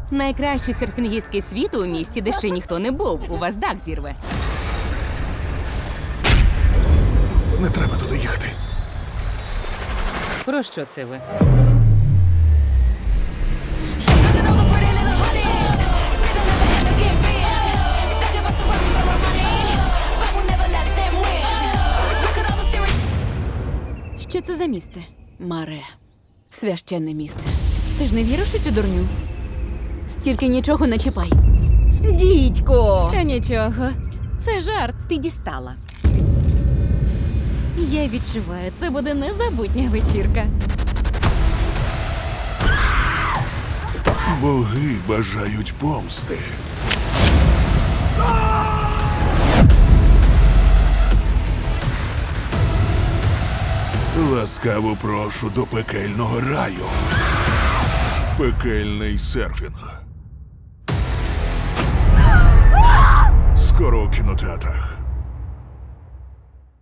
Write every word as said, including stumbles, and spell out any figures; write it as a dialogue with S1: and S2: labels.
S1: Найкращі серфінгістки світу у місті, де ще ніхто не був. У вас дах зірве.
S2: Не треба туди їхати.
S1: Про що це ви?
S3: Що це за місце? Маре. Священне місце. Ти ж не віриш у цю дурню? Тільки нічого не чіпай. Дідько!
S1: Та нічого. Це жарт. Ти дістала. Я відчуваю, це буде незабутня вечірка.
S2: Боги бажають помсти. Ласкаво прошу до пекельного раю. Пекельний серфінг. Скоро у кінотеатрах.